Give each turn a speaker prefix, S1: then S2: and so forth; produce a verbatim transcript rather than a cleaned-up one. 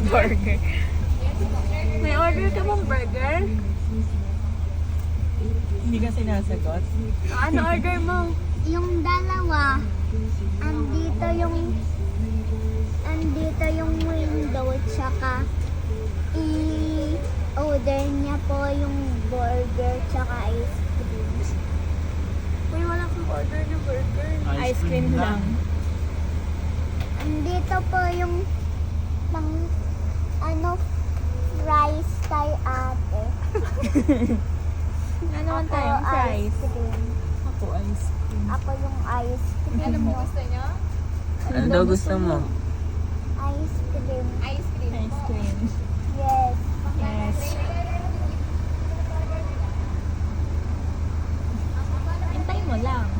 S1: burger.
S2: May order ka bang burger?
S1: Hindi ka sinasagot.
S2: Ano order mo?
S3: Yung dalawa, andito yung andito yung window, tsaka i-order niya po yung burger tsaka ice cream.
S2: Uy, wala kang order na burger.
S1: Ice cream lang.
S3: Andito po yung pang ano fries kay ate.
S1: Ano naman
S3: Ako,
S1: tayong fries?
S3: ice cream.
S1: Ako ice cream.
S3: Ako yung ice cream.
S2: Ano mo gusto niyo?
S4: Ano daw gusto mo?
S3: Ice cream.
S2: Ice cream.
S1: Ice cream.
S3: Yes.
S1: Yes. Hintay mo lang.